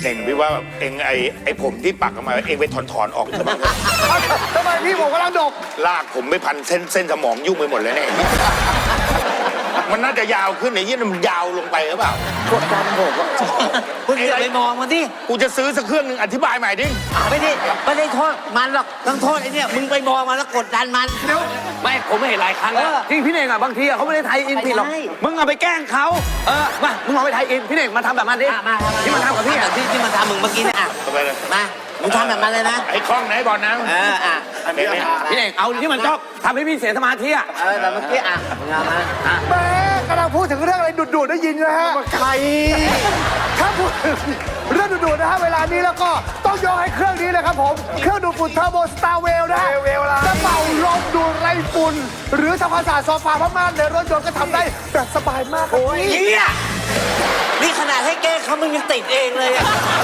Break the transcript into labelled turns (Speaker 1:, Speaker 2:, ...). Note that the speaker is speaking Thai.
Speaker 1: เน่งพี่ว่าเองไอ้ผมที่ปักออกมาเองไปถอนออกซะบ้างเถอะ
Speaker 2: ทำไมพี่ผมกำลังดก
Speaker 1: ลากผมไม่พันเส้นสมองยุ่งไปหมดเลยเนี่ยมันน่าจะยาวขึ้นไอ้ยี่มันยาวลงไปหรือเปล่าก
Speaker 3: ดดันผมอะ
Speaker 4: คุณอย่าไปมองมันดิ
Speaker 1: กูจะซื้อสักเครื่องหนึ่งอธิบายใหม่ดิ
Speaker 4: ไม่ได้โทษมันหรอกต้องโทษไอ้เนี่ยมึงไปมองมันแล้วกดดันมัน
Speaker 3: ไม่ผมไม่เห็นหลายครั้งแล้วที่พี่เน่งอ่ะบางทีอ่ะเขาไม่ได้ไทยอินผิดหรอกมึงเอาไปแกล้งเขามามึงเอาไปไทยอินพี่เน่งมาทำแบบนั้นดิ
Speaker 4: มา
Speaker 3: ที่มันทำกับพี่
Speaker 4: แบ
Speaker 3: อ่ะ
Speaker 4: บที่มันทำมึงเมื่อกี้เนี่ยอ่ะ
Speaker 1: เอาไปเลย
Speaker 4: มามึงทำแบบมันเลยนะ
Speaker 1: ไอ้คล้องไหนบอลนะ
Speaker 4: อ่ะ
Speaker 1: อันนี้
Speaker 3: พี่เน่งเอาที่มันชอบทำให้พี่เสียสมาธิอ่ะ
Speaker 4: แบบเมื่อกี้อ่ะมึงเอามา
Speaker 2: แม่กำลังพูดถึงเรื่องอะไรดุๆได้ยินนะฮะใครถ้าพูดถึงเรื่องดุๆนะฮะเวลานี้แล้วก็ต้องยกให้เครื่องนี้เลยครับผมเครื่องดูดฝุ่นเทอร์โบสตาร์เวลนะฮะจะเป่าลมดูดไรฝุ่นหรือทำความสะอาดโซฟาผ้าม่านในรถยนต์ก็ทำได้แบบสบายมากครับพี่
Speaker 4: เนี่ยนี่ขนาดให้แก้เขามึงยังติดเองเลยอ่ะ